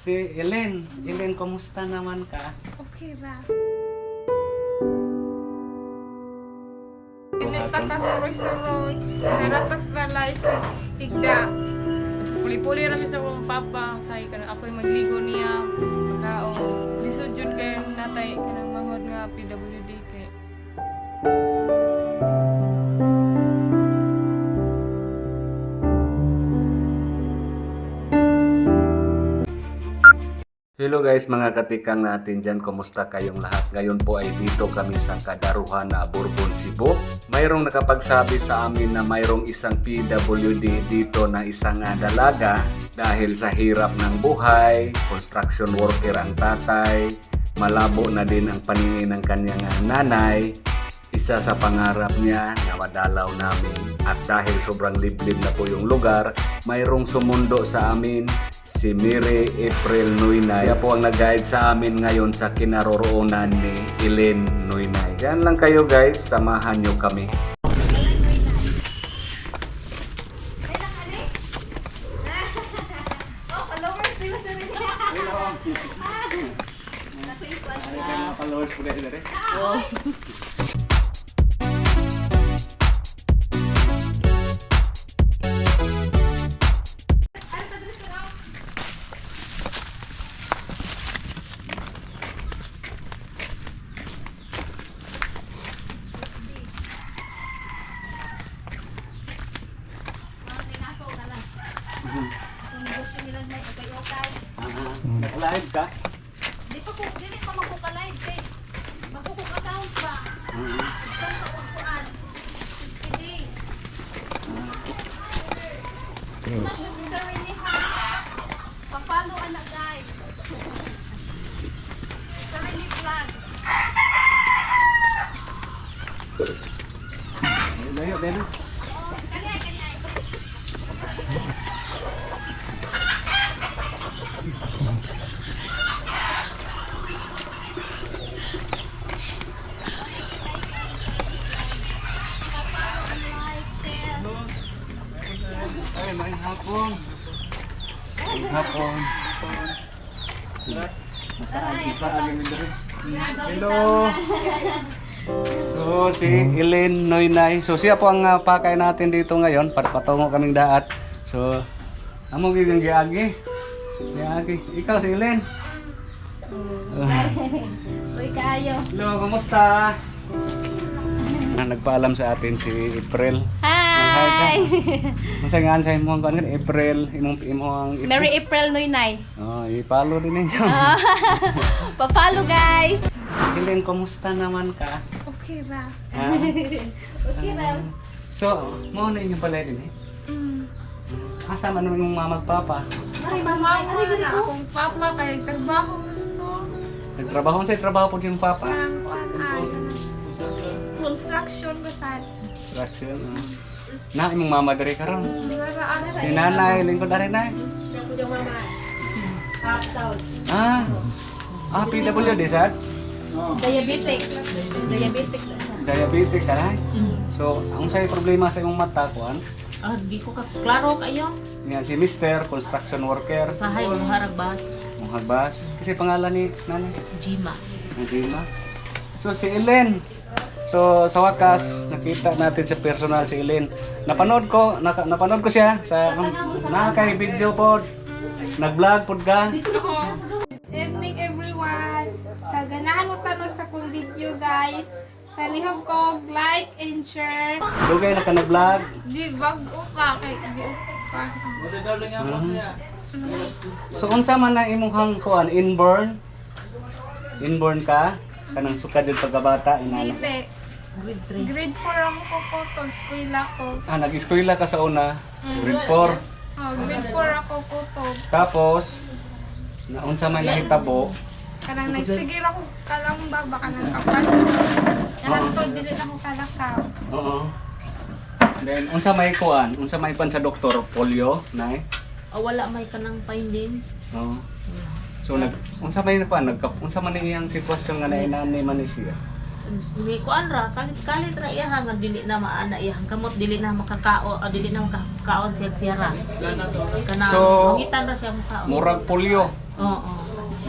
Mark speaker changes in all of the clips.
Speaker 1: Si Ellen. Ellen, kumusta naman ka?
Speaker 2: Okay ra. Pinita ka suroy-suroy. Naratas balay sa tigda.
Speaker 3: Mas puli-puli rami sa akong papa. Say ka na ako'y magligo niya. Pagkaon. Lisod yun kay natay ka ng manghod nga PWD kay.
Speaker 1: Hello guys, mga katikang natin dyan. Kumusta kayong lahat? Ngayon po ay dito kami sa Kadaruhan na Bourbon, Cebu. Mayroong nakapagsabi sa amin na mayroong isang PWD dito na isang dalaga dahil sa hirap ng buhay, construction worker ang tatay, malabo na din ang paningin ng kanyang nanay. Isa sa pangarap niya na madalaw namin at dahil sobrang liblib na po yung lugar, mayroong sumundo sa amin si Mary April Nuynay. Siya po ang nag-guide sa amin ngayon sa kinaroroonan ni Ellen Nuynay. Yan lang kayo guys, samahan nyo kami. Followers po guys dari. Live ka?
Speaker 4: Di pa magkuka-live kay magkukuk-account pa. Isang sa upuan. 60 days. Sarili ha. Pa-follow anak guys. Sarili vlog.
Speaker 1: Layo, Beno.
Speaker 4: Kanya.
Speaker 1: Ay, may hapon. May hapon. Hello. So, si Ellen Nuynay. So, siya po ang pakay natin dito ngayon. Patungo kaming daat. So, amo yung giagi. Giagi. Ikaw si Ellen.
Speaker 4: Uy, kayo.
Speaker 1: Hello, kumusta? Nagpaalam sa atin si April.
Speaker 4: Hi!
Speaker 1: Masa nga sa imong kan April, imong
Speaker 4: Mary April Nuynay.
Speaker 1: Oh, i-follow din ninyo.
Speaker 4: Pa-follow guys.
Speaker 1: Ellen, kumusta naman ka?
Speaker 2: Okay ra.
Speaker 1: Ha?
Speaker 4: Okay, Rams.
Speaker 1: So, mo na inyong pala din eh. Asa man yung magpapa?
Speaker 4: Ay, mama.
Speaker 2: Mama na akong papa kay trabaho mo no.
Speaker 1: Nagtrabaho sa trabaho po yung papa.
Speaker 2: Ang kuan ay construction basan.
Speaker 1: Construction. Na imong mama diri karon.
Speaker 2: Wala ara.
Speaker 1: Si nanay lingkod ari na. Ah. Ah, PWD sad?
Speaker 4: Diabetic. Diabetic.
Speaker 1: Diabetic ka na. So, ang say problema sa imong mata kuan?
Speaker 5: Di ko klaro kayo.
Speaker 1: Yan si Mr. Construction Worker.
Speaker 5: Sahay mo haragbas.
Speaker 1: Muhagbas. Kasi pangalan ni nanay.
Speaker 5: Jima.
Speaker 1: Nadima. So si Ellen. So sa wakas nakita natin sa personal si Ellen. Napanood ko siya sa nakakay video pod. Nag-vlog pod ka.
Speaker 2: Evening everyone. Sa ganahan mo tanos sa kong video guys. Palihog ko like and share.
Speaker 1: Dugay na ka nag-vlog.
Speaker 2: Di bago ka kay di ka.
Speaker 1: So unsa man na imong kuan inborn? Inborn ka kanang sukad jud pagkabata inana.
Speaker 2: Dili.
Speaker 5: Grade 3.
Speaker 2: Grade 4 ang ko to eskwela ko.
Speaker 1: Ah, nag-eskwela ka sa una. Grade 4.
Speaker 2: Oh, grade 4 ako ko.
Speaker 1: Tapos na unsa man nahitabo?
Speaker 2: Kanang nagsigir ako kalang baba kanang kapal. Kanang to dili na ko kalakaw.
Speaker 1: Oo. Then unsa may kuan? Unsa may kuan sa doktor? Polio, nay?
Speaker 5: Wala may kanang finding.
Speaker 1: Oo. So unsa may kuan? Unsa man iyang sitwasyon nga nainani man ni siya?
Speaker 5: May kuan ra kalit ra iya nga dili na maana iya kamot dili na makakao dili na makakaon siya ra. Kanang
Speaker 1: So,
Speaker 5: mangitan ra siya makaon.
Speaker 1: Murag polio.
Speaker 5: Oo.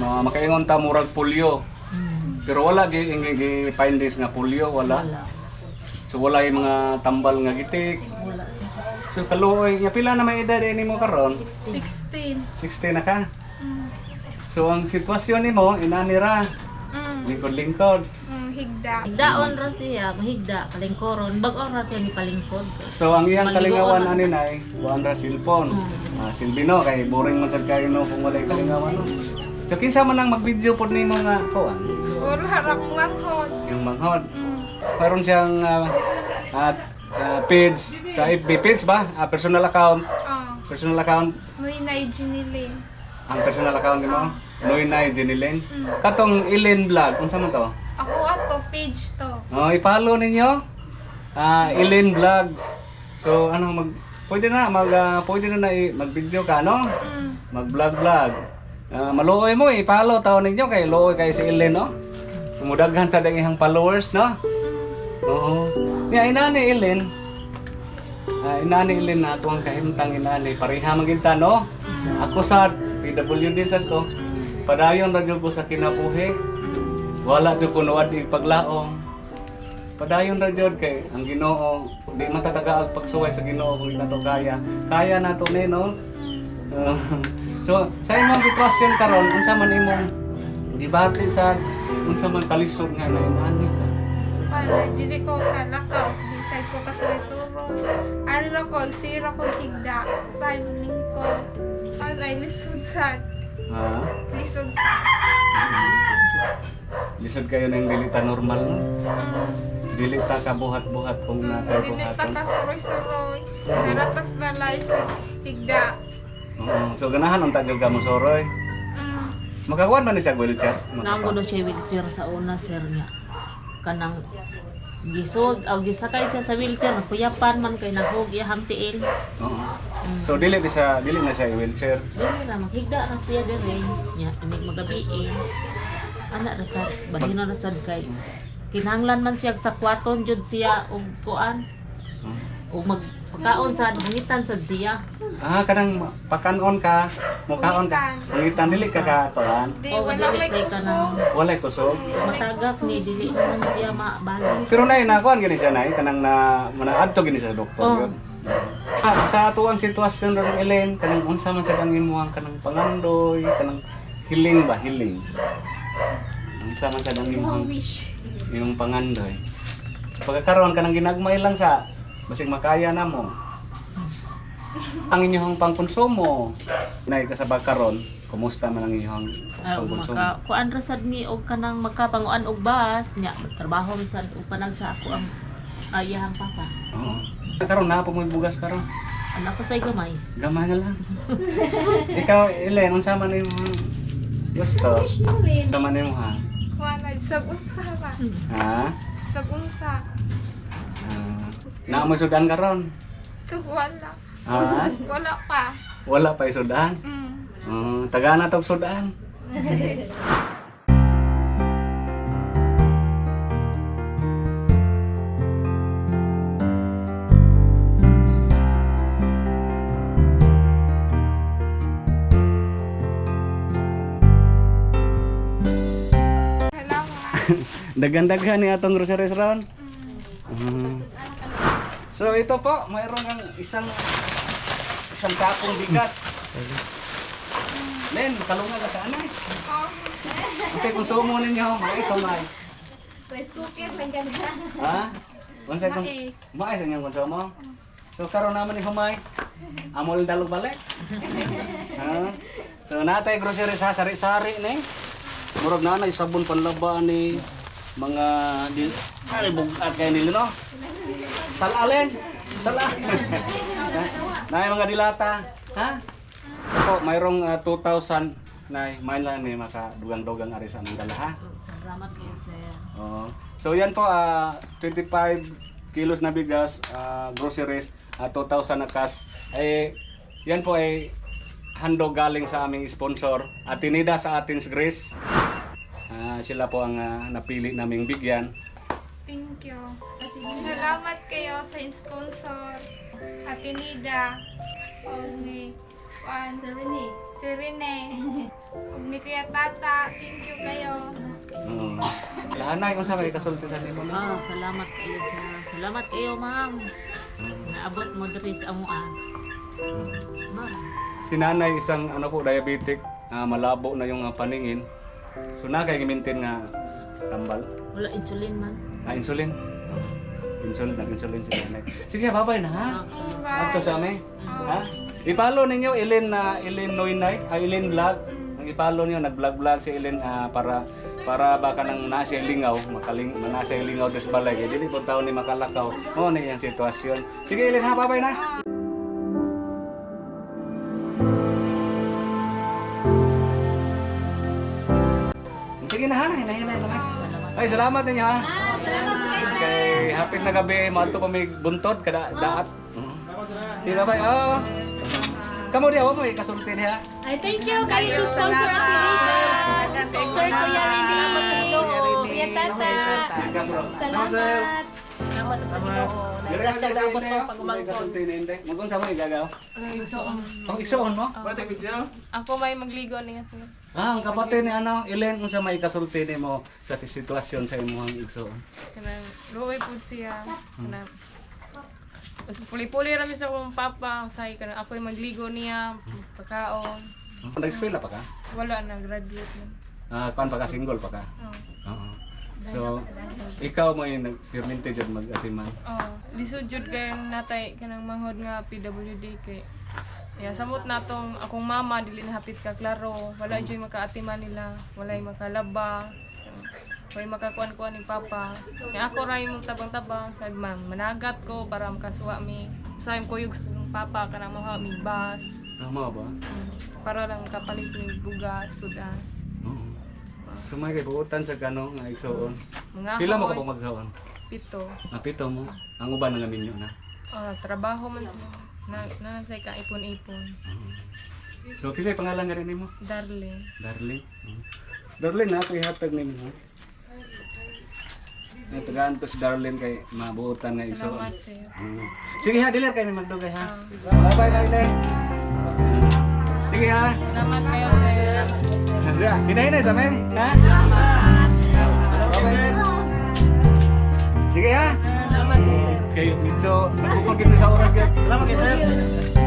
Speaker 1: makaingon ta murag polio. Pero wala gi-findings nga polio, wala.
Speaker 5: Wala.
Speaker 1: So wala yung mga tambal nga gitik.
Speaker 5: Wala siya.
Speaker 1: So kaluoy, nga pila na may edad nimo karon?
Speaker 2: 16.
Speaker 1: 60 na ka. So ang sitwasyon nimo inanira, lingkod-lingkod.
Speaker 2: Higda.
Speaker 5: Higdaon ra siya, mahigda, kalingkoron. Bag-on ra siya ni palingkod.
Speaker 1: So ang iyang
Speaker 5: Maligoon
Speaker 1: kalingawan
Speaker 5: man.
Speaker 1: ani nay, buwan ra cellphone. Silbino kay boring man sad kayo no kung walay kalingawan no. So kinsa man ang mag-video pod nimo nga kuan?
Speaker 2: Or harap manghod.
Speaker 1: Yung manghod. Meron siyang page sa FB page ba? Personal account. Personal account.
Speaker 2: Muy na Jinilin.
Speaker 1: Ang personal account mo? Noynay Jenilyn. Katong Ilin Vlog, unsa man to?
Speaker 2: Ako ato, page to.
Speaker 1: Oh, i-follow ninyo. Ilin Vlogs. So ano pwede na mag-video ka no? Mag-vlog. Maluoy mo i-follow taon ninyo kay luoy kay si Ilin no. Mudaghan sa dagihang followers no. Oo. Niya inani Ilin. Inani Ilin na atong kahimtang inani pareha maginta no. Ako sa PWD sad ko. Padayon ra jud ko sa kinabuhi. Wala jud ko nuwad paglaom. Padayon ra jud kay ang Ginoo di matatagaag pagsuway sa Ginoo kung nato kaya. Kaya nato ni no. So sa imong sitwasyon karon unsa man imong gibati sa unsa man kalisod nga na inani ka.
Speaker 2: Para dili ko kalakaw, di side ko kasurisuro. Ano na ko, sira ko higda. Side ko. Ano ay lisod sad.
Speaker 1: Ha?
Speaker 2: Lisod sad.
Speaker 1: Lisod kayo ng dilita normal no. Dilita ka buhat-buhat kung natay
Speaker 2: Dili ta
Speaker 1: buhaton.
Speaker 2: kasuroy-suroy. Naratas balay sa higda.
Speaker 1: Oo. So ganahan unta jud ka mo soroy. Makakuan man ni siya wheelchair.
Speaker 5: Nangulo siya wheelchair sa una, sir niya. Kanang gisod, gisakay siya sa wheelchair, napuyapan man kay nahog iyang tiil.
Speaker 1: Oo. So dili na siya wheelchair.
Speaker 5: Dili na, maghigda na siya diri. Nya, inig magabiin. Anak rasad, bahino rasad kay. Kinahanglan man siya sa kwaton jud siya og kuan. O magpakaon sa hangitan sad siya.
Speaker 1: Kanang pakanon ka, mukaon ka. Pangitan dili ka kuan.
Speaker 2: Di,
Speaker 5: O,
Speaker 2: wala may
Speaker 5: dili kay
Speaker 2: kusog.
Speaker 5: kanang
Speaker 1: Walay kusog.
Speaker 5: matagak ni dili naman siya mabalik.
Speaker 1: Pero nay nakuan gini siya nay kanang manaadto gini sa doktor
Speaker 5: Oo.
Speaker 1: yun. Sa atuang sitwasyon ron Ellen, kanang unsa man sa imuhang kanang pangandoy, kanang hiling. Unsa man sa imuhang yung pangandoy. Sa pagkakaroon kanang ginagmay lang sa basig makaya na mo. Ang inyong pangkonsumo. Nay kasabag karon, kumusta man ang inyong pangkonsumo?
Speaker 5: Kuan ra sad ni og kanang makapanguan og bus nya trabaho mi sad og panag sa ako ang ayahang papa.
Speaker 1: Oo. Karon na po mo bugas karon.
Speaker 5: Anak ko say gamay.
Speaker 1: Gamay na lang. Ikaw, Ellen, unsa man imong gusto? Unsa man imong
Speaker 2: Wala, sag-unsa ra.
Speaker 1: ha?
Speaker 2: Sag-unsa.
Speaker 1: Na mo sudan karon?
Speaker 2: Wala.
Speaker 1: Ha?
Speaker 2: Wala pa.
Speaker 1: Wala pa sudan. Taga na tog sudan.
Speaker 2: Salamat.
Speaker 1: Dagan-dagan ni atong grocery restaurant. So ito po, mayroon kang isang sakong bigas. Len, kalungan ka sa anay. Unsay konsumo ninyo? Mais o may?
Speaker 4: Rice cooker lang ganda.
Speaker 1: Ha? Unsay kung
Speaker 2: Mais.
Speaker 1: mais ang inyong konsumo? So karon naman ni humay. Amol dalog balik. Ha? So natay grocery sa sari-sari ni. Murag na nay sabon panlaba ni mga ay bugat kay nila no. Salalen. Sala. Nay mga dilata, ha? Ako mayroong 2,000 nay main lang ni maka dugang-dugang ari sa among dala ha.
Speaker 5: Salamat kayo sir.
Speaker 1: Oo. So yan po 25 kilos na bigas, groceries, 2,000 na cash. Yan po ay handog galing sa aming sponsor, Atinida sa Athens, Greece. Sila po ang napili naming bigyan.
Speaker 2: Thank you. Salamat kayo sa sponsor. Atinida. O ni Juan.
Speaker 4: Sir Rene.
Speaker 2: Si Rene. Ug ni Kuya Tata, thank you kayo.
Speaker 1: Laanay kung sa may kasulti sa nimo na.
Speaker 5: Salamat kayo salamat kayo ma'am. Naabot mo diri sa amuan. Ma'am.
Speaker 1: Si nanay isang ano po diabetic, malabo na yung paningin. So na kay gi-maintain nga tambal.
Speaker 5: Wala insulin man.
Speaker 1: Insulin. Insulin si nanay. Sige, bye-bye na ha. Ato sa amin. Ha? I-follow ninyo Ellen Noynay, Ellen Vlog. Ang i-follow niyo nag-vlog si Ellen para baka nang nasa lingaw, nasa lingaw des balay kay dili po taon ni makalakaw. Mo ni yang sitwasyon. Sige Ellen ha, bye-bye na. Sige na ha, hinahinay na. Ay, salamat ninyo ha.
Speaker 4: Salamat sa guys.
Speaker 1: Kay hapit na gabi, maadto pa may buntod kada daat. Sige bye. Oh. Kamu dia mo kasulti niya.
Speaker 4: Ay, thank you kayo sa sponsor activation. Sir Kuya Rini. Kuya Tata. Salamat.
Speaker 1: Dire sa dapat pa kasulti ni Inde. Magun sa mo igagaw. Oh, igsoon mo?
Speaker 3: Ako may magligo niya sir.
Speaker 1: Ang kapatid ni ano, Ellen unsa may kasulti nimo sa sitwasyon sa imong igsoon.
Speaker 3: Kanang luoy pud siya. Kanang Mas puli-puli rami sa akong papa, usahay ka na ako'y magligo niya, pagkaon.
Speaker 1: Nag-eskwela pa ka?
Speaker 3: Wala na, graduate na.
Speaker 1: Kuan pa ka single pa ka?
Speaker 3: Oo.
Speaker 1: Oo. So, ikaw mo yung nag-permente dyan mag-atiman.
Speaker 3: Oo. Lisod jud kay natay kanang manghod nga PWD kay ya samot natong akong mama dili na hapit ka klaro, wala joy makaatiman nila, walay makalaba. Kaya makakuan-kuan ni Papa. Kaya ako rin mong tabang-tabang. Sabi ma'am, managat ko para makasuwa mi. Sabi ko yung Papa ka na mga mi bus.
Speaker 1: Tama ba?
Speaker 3: Para lang kapalit ni bugas, sudan.
Speaker 1: Oo. So may kibuutan sa kanong nga igsoon.
Speaker 3: Mga
Speaker 1: Pila mo ka
Speaker 3: ako,
Speaker 1: pa magsoon?
Speaker 3: pito.
Speaker 1: Napito mo. Ang uban nga minyo na.
Speaker 3: Trabaho man sila. Nanasay ka ipon-ipon.
Speaker 1: So kisay pangalan nga rin nimo?
Speaker 3: Darling.
Speaker 1: Darling. Darling na ako ihatag nimo. Tagaan to si Darlene kay mabuutan nga igsoon.
Speaker 3: Salamat sir.
Speaker 1: Sige ha, diler kay magdugay ha. Bye-bye Darlene. Sige ha.
Speaker 3: Salamat kayo sir.
Speaker 1: Hinahinay sa may, ha? Okay. Sige ha.
Speaker 5: Salamat.
Speaker 1: Okay, so nagpupagin sa oras ka. Salamat kay sir.